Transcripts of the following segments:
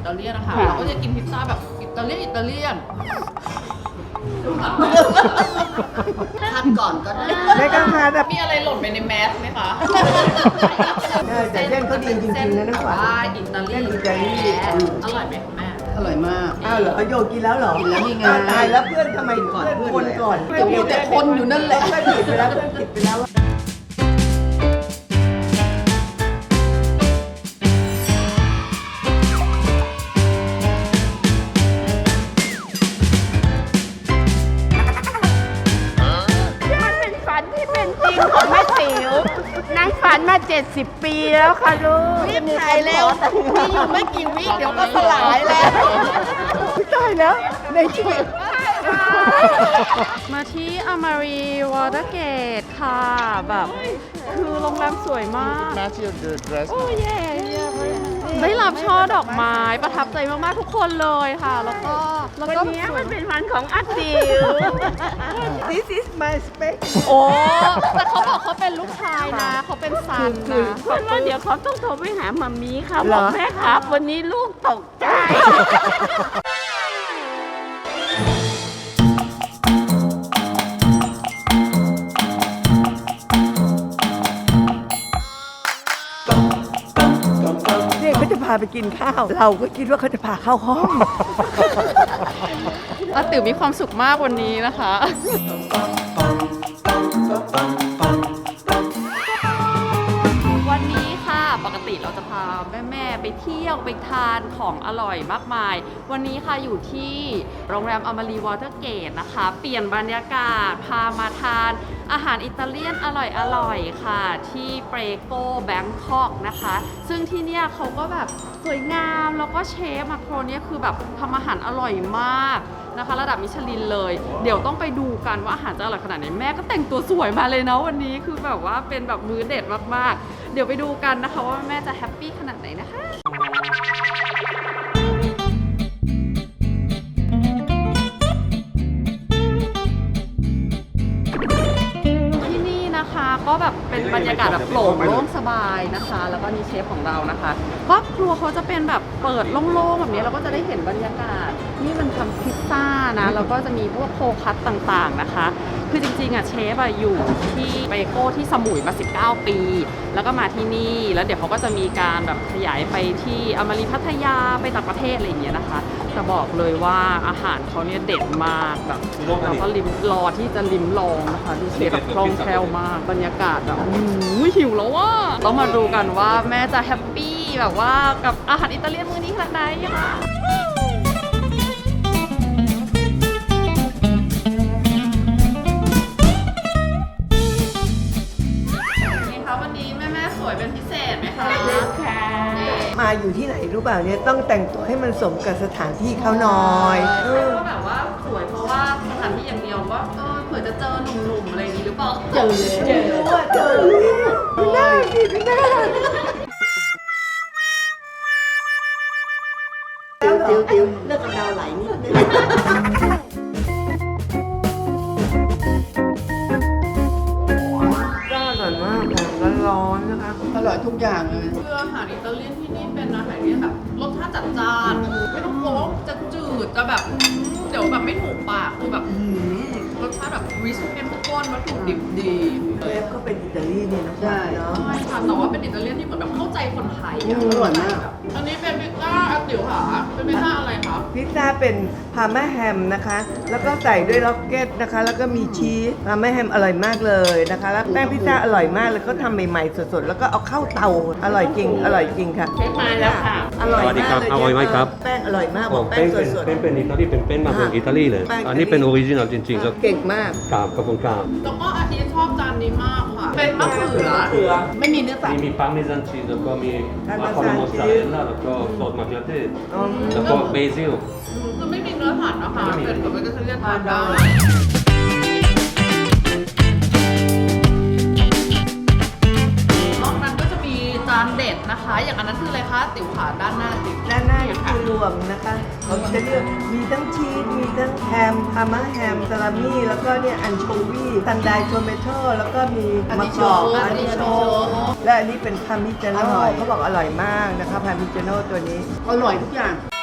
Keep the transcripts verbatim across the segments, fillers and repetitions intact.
ตาเลียนนะคะเราก็จะกินพิซซ่าแบบอิตาเลียนอิตาเลียนทานก่อนก็ได้ไม่ต้องทานแบบมีอะไรหล่นไปในแมสไหมคะแต่เส้นเขาดีจริงๆนะน้ำหวานอิตาเลียนอิตาเลียนอร่อยไหมแม่อร่อยมากอ้าวเหรอโยกินแล้วเหรอกินแล้วนี่ไงตายแล้วเพื่อนทำไมเพื่อนคนก่อนก็มีแต่คนอยู่นั่นแหละเพื่อนผิดไปแล้วเพื่อนผิดไปแล้วของแม่ติ๋วนางฝันมาเจ็ดสิบปีแล้วค่ะลูกรีบถ่ายเร็วมีอยู่ไม่กี่วิเดี๋ยวก็สลายแล้วตายแล้วในชีวิตมาที่อมารีวอเตอร์เกตค่ะแบบคือโรงแรมสวยมากโอ้ยได้รับช่อดอกไม้ประทับใจมากๆทุกคนเลยค่ะแล้วก็แล้วก็วันนี้มันเป็นวันของอาติ๋ว This is my space โอ้แต่เขาบอกเขาเป็นลูกชายนะเขาเป็นซันนะเพราะว่าเดี๋ยวเขาต้องโทรไปหามัมมี่ค่ะบอกแม่ครับวันนี้ลูกตกใจเขาจะพาไปกินข้าวเราก็คิดว่าเขาจะพาเข้าห้องอาติ๋วมีความสุขมากวันนี้นะคะวันนี้ค่ะปกติเราจะพาแม่ๆไปเที่ยวไปทานของอร่อยมากมายวันนี้ค่ะอยู่ที่โรงแรมอมารีวอเตอร์เกตนะคะเปลี่ยนบรรยากาศพามาทานอาหารอิตาเลียนอร่อยๆค่ะที่เปรโกแบงคอกนะคะซึ่งที่เนี่ยเขาก็แบบสวยงามแล้วก็เชฟมาโครเนี่ยคือแบบทำอาหารอร่อยมากนะคะระดับมิชลินเลยเดี๋ยวต้องไปดูกันว่าอาหารจะอร่อยขนาดไหนแม่ก็แต่งตัวสวยมาเลยนะวันนี้คือแบบว่าเป็นแบบมื้อเด็ดมากๆเดี๋ยวไปดูกันนะคะว่าแม่จะแฮปปี้ขนาดไหนนะคะก็แบบเป็นบรรยากาศแบบโปร่งโล่งสบายนะคะแล้วก็นี่เชฟของเรานะคะก็ครัวเขาจะเป็นแบบเปิดโล่งๆแบบนี้เราก็จะได้เห็นบรรยากาศนี่มันทำพิซซ่านะแล้วก็จะมีพวกโคคัตต่างๆนะคะคือจริงๆอ่ะเชฟอ่ะอยู่ที่เบโก้ที่สมุยมาสิบเก้าปีแล้วก็มาที่นี่แล้วเดี๋ยวเขาก็จะมีการแบบขยายไปที่อมารีพัทยาไปต่างประเทศอะไรอย่างเงี้ยนะคะแต่บอกเลยว่าอาหารเขาเนี่ยเด็ดมากแบบเราก็ลิ้มรอที่จะลิ้มลองนะคะดูเชฟแบบคล่องแคล่วมากบรรยากาศแบบหิวแล้วว่าต้องมาดูกันว่าแม่จะแฮปปี้แบบว่ากับอาหารอิตาเลียนมื้อนี้ขนาดไหนค่ะนี่ค่ะวันนี้แม่แม่สวยเป็นพิเศษไหมคะค่ะมาอยู่ที่ไหนรู้เปล่าเนี่ยต้องแต่งตัวให้มันสมกับสถานที่เขาหน่อยก็แบบว่าสวยเพราะว่าสถานที่อย่างเดียวว่าเออเผื่อจะเจอหนุ่มๆอะไรนี้หรือเปล่าเจอเจอว่าเจอดูหน้าดิดูหน้าติ๋วติ๋วเลือกกำเดาไหลนิดนึงก็อร่อยมากค่ะร้อนๆนะคะอร่อยทุกอย่างเลยคืออาหารอิตาเลียนที่นี่เป็นอาหารที่แบบรสชาติจัดจ้านไม่ต้องกลัวว่าจะจืดจะแบบเดี๋ยวแบบไม่ถูกปากคือแบบรสชาติแบบริชเข้มข้นวัตถุดิบดีเชฟก็เป็นอิตาลีเนี่ยนะใช่ใช่ค่ะแต่ว่าเป็นอิตาเลียนที่เหมือนแบบเข้าใจคนไทยอร่อยมากอันนี้เป็นพิซซ่าอาติ๋วค่ะเป็นพิซซ่าอะไรคะพิซซ่าเป็นพาร์มาแฮมนะคะแล้วก็ใส่ด้วยล็อกเก็ตนะคะแล้วก็มีชีสพาร์มาแฮมอร่อยมากเลยนะคะแล้วแป้งพิซซ่าอร่อยมากเลยก็ทำใหม่ๆสดๆแล้วก็เอาเข้าเตาอร่อยจริงอร่อยจริงค่ะเชฟมาแล้วค่ะอร่อยมากเลยอร่อยไหมครับแป้งอร่อยมากบอกแป้งสดๆเป็นเป็นอิตาลีเป็นเป็นมาจากอิตาลีเลยอันนี้เป็นออริจินัลจริงๆครับเก่งมากครับขอบคุณครับแล้วก็อาทิตย์ชอบจานนี้มากค่ะเป็นมะเขือไม่มีเนื้อสัตว์มีพาร์เมซานชีสแล้วก็มีอะโวคาโดมอสซาเรลล่าแล้วก็ซอสมะเขือเทศแล้วก็เบซิลคือไม่มีเนื้อสัตว์นะคะเป็นแบบว่าจะเรียกทานได้นอกนั้นก็จะมีจานเด็ดนะคะอย่างอันนั้นคืออะไรคะติ๋วขาด้านหน้าติ๋วด้านหน้าคือรวมนะคะเขาจะเลือกมีทั้งชีสมีทั้งแฮมพาร์มาแฮมซาลามี่แล้วก็เนี่ยอันโชวีซันไดโทเมโต้แล้วก็มีมะกอกอันนี้โชและอันนี้เป็นพาร์มิจาโน่เขาบอกอร่อยมากนะคะพาร์มิจาโน่ตัวนี้อร่อยทุกอย่าง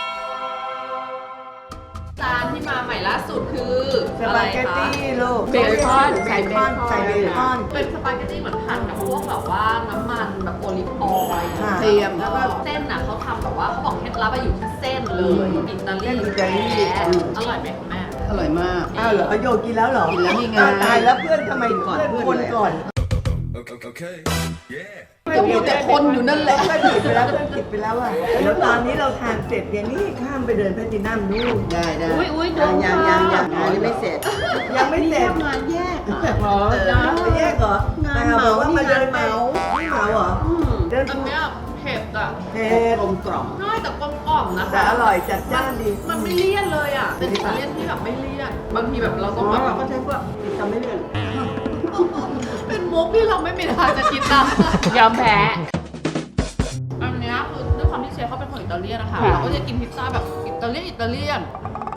านที่มาใหม่ล่าสุดคือสอะไรปาเกตคะตี้ลูกเบคอนเบใส่คอนเบคอนใส่เบคอนเป็นสปาเกตตี้เหมือนผัดกับพวกแบบว่าน้ำมันแบบโอลิฟออยล์ค่ะเทียมแล้วก็เส้นน่ะเขาทำแบบว่าเขาบอกเคล็ดลับอะอยู่ที่เส้นเลยอิตาลีเส้นอิตาลีแท้อร่อยไหมคุณแม่อร่อยมากอ้าวเหรอเอาโยกินแล้วเหรอกินแล้วนี่ไงอ้าวตายแล้วเพื่อนทำไมกินก่อนเพื่อนเพื่คอนนเลยก่อน Okay, yeah. ก็มีแต่คนอยู่นั่นแหละเพื่อนผิดไปแล้วเพื่อนผิดไปแล้วอ่ะเดี๋ยวตอนนี้เราทานเสร็จเนี่ยนี่ข้ามไปเดินแพลตินัมนู่นได้ได้อุ๊ยอุ๊ยยังเดี๋ยัยวงยังยังงานยังไม่เสร็จยังไม่เสร็จงานแยกเหรอจะแยกเหรองานแต่เหมาบอกว่ามาเดินนี่งานเหมาไม่เหมาเหรอเดินอันเนี้ยเผ็ดอ่ะเผ็ดกลมกล่อมง่ายแต่กลมกล่อมนะคะแต่อร่อยจัดจ้านดีมันไม่เลี่ยนเลยอ่ะเป็นอิตาเลียนที่แบบไม่เลี่ยนบางทีแบบเราต้องแบบก็ใช้พวกทำไม่เลื่อนเป็นมุกที่เราไม่มีทางจะคิดตามยอมแพ้อันเนี้ยคือด้วยความที่เชฟเขาเป็นคนอิตาเลียนนะคะค่ะเราก็จะกินพิซซ่าแบบอิตาเลียนอิตาเลียน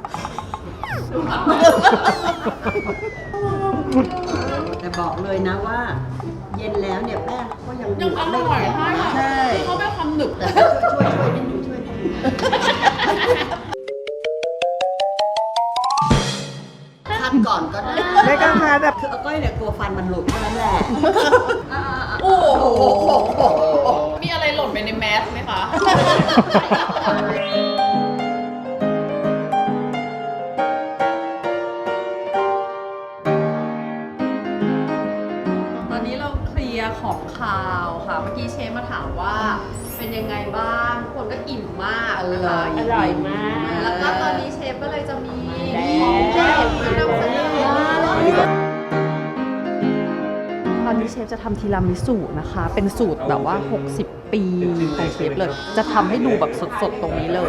แต่บอกเลยนะว่า เย็นแล้วเนี่ยแป้งก็ยังยังอร่อยไม่ใช่ค่ะใช่คือเขาไม่ความหนึบแต่ก็ช่วยช่วยนิดนึงช่วยนิดนึง คัดก่อนก็ได้ไม่กล้าทานแบบคืออาก้อยเนี่ยกลัวฟันมันหลุดเท่านั้นแหละโอ้โหมีอะไรหล่นไปในแมสไหมคะ ตอนนี้เราเคลียร์ของคาวค่ะ เมื่อกี้เชฟมาถามว่าเป็นยังไงบ้างทุกคนก็อิ่มมากนะคะอร่อยมากแล้วก็ตอนนี้เชฟก็เลยจะมีแดงของแดงมานำเสนอตอนนี้เชฟจะทำทีรามิสุนะคะ เป็นสูตรแบบว่า หกสิบ ปีของเชฟเลย จะทำให้ดูแบบสดๆ ตรงนี้เลย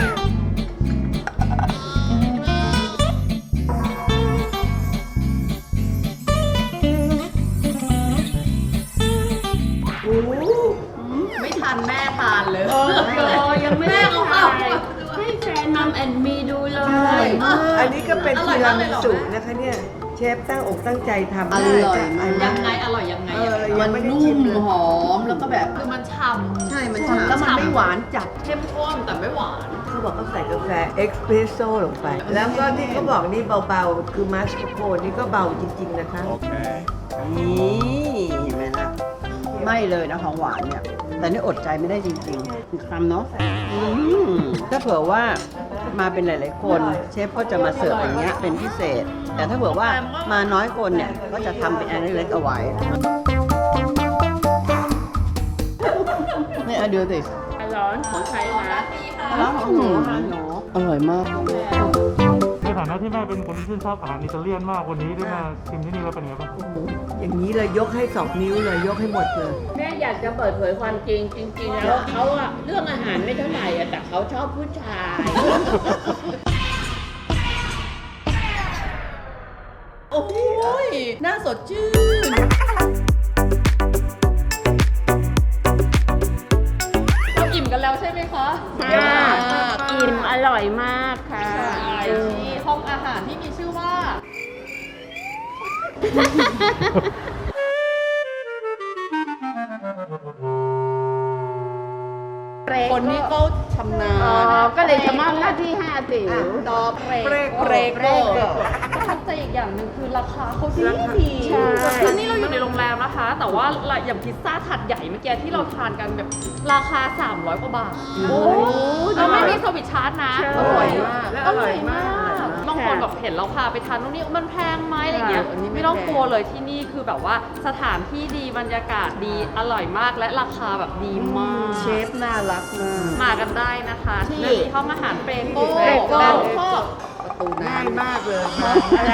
ไม่ทันแม่ทานเลยยังไม่ได้แม่เขาเอาให้แฟนมัมแอนมีดูเลใช่ยอันนี้ก็เป็นอร่ทีอยราากเลมิยเหรอสุแม่นะคะเนี่ยเชฟตั้งอกตั้งใจทำอร่อยมากยังไงอร่อยยังไงเอออะยังมันไม่ได้นุ่ชิมมเลยหอมแล้วก็แบบคือมันฉ่ำใช่มันฉ่ำฉ่ำแล้วมันไม่หวานจัดเข้มข้นแต่ไม่หวานเขาบอกเขาใส่กาแฟเอ็กซ์เพรสโซ่ลงไป แล้วก็ที่เขาบอกนี่เบาๆ คือมัสคาโพนี่ก็เบาจริงๆนะคะ Okay. นี่เห็นไหมล่ะไม่เลยนะของหวานเนี่ย แต่นี่อดใจไม่ได้จริงๆทำเนาะอืมถ้าเผื่อว่ามาเป็นหลาย ๆ คนเชฟก็จะมาเสิร์ฟอย่างเงี้ยเป็นพิเศษ แต่ถ้าเผื่อว่ามาน้อยคนเนี่ย ก็จะทำเป็นอันเล็กๆเอาไว้นี่เอาดูสิร้อนของใครนะร้านของหนูร้านหนูอร่อยมากในฐานะที่แม่เป็นคนที่ชื่นชอบอาหารอิตาเลียนมากวันนี้ได้มาชิมที่นี่แล้วเป็นไงบ้างครับอย่างนี้เลยยกให้สองนิ้วเลยยกให้หมดเลยแม่อยากจะเปิดเผยความจริงจริง ๆ แล้วเขาอะเรื่องอาหารไม่เท่าไหร่อะแต่เขาชอบผู้ชายโอ้ยน่าสดชื่นเราอิ่มกันแล้วใช่ไหมคะอิ่มอร่อยมากค่ะใช่ที่ห้องอาหารที่มีชื่อว่าคนนี้ก็ชำนาญอ๋อ ก็เลยจะมอบหน้าที่ให้อาติ๋วดอเปรกเปรกเปรกเปรกประทับใจอีกอย่างหนึ่งคือราคาเขาดีดีใช่คือนี่เราอยู่ในโรงแรมนะคะ แต่ว่าอย่างพิซซ่าถาดใหญ่เมื่อกี้ที่เราทานกันแบบราคา สามร้อย กว่าบาท โอ้แล้วไม่มีเซอร์วิสชาร์จนะใช่อร่อยมากและออร่ร่ออย ยมามากกบางคนแบบเห็นเราพาไปทานตรงนี้มันแพงไหมอะไรเงี้ยอันนี้ไม่ไม่ต้องแพงกลัวเลยที่นี่คือแบบว่าสถานที่ดีบรรยากาศดีอร่อยมากและราคาแบบดีมากเชฟน่ารักมากมากันได้นะคะที่ที่ห้องอาหารเปรโก้เปรโก้แบงคอกประตูน้ำง่ายมากเลยค่ะ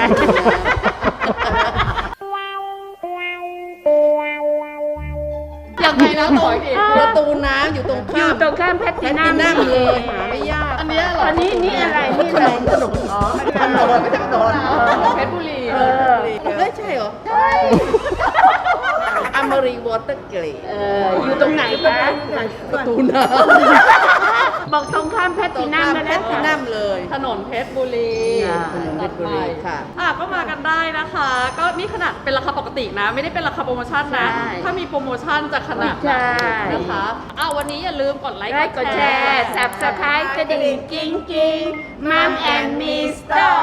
ยังไงนะต่อยดิประตูน้ำอยู่ตรงอยู่ข้ามตรงข้ามแพทตินัมนั่งเลยหาไม่ยากอันเนี้ยเหรออันนี้นี่อะไร นี่อะไรขนมอ๋อขนมไม่ใช่ขนมเพชรบุรีเออเฮ้ยใช่เหรอ ใช่อเมรีวอเตอร์เกรดเออ อยู่ตรงไหนคะประตูน้บอกตรงข้ามแพทำตินัมแพแล้วนะทตินัมเลยถนนเพชรบุรีอ่าถนนเพชรบุรีค่ะอ่ะก็มากันได้นะคะ ก็นี่ขนาดเป็นราคาปกตินะ ไม่ได้เป็นราคาโปรโมชั่นนะใช่ถ้ามีโปรโมชั่นจะขนาดไหนใช่นะคะอ่ะวันนี้อย่าลืมกดไลค์ไลค์กดแชร์ สับสไครต์กระดิ่งกิ้งกิ้งมัมแอนมีสไตต่อ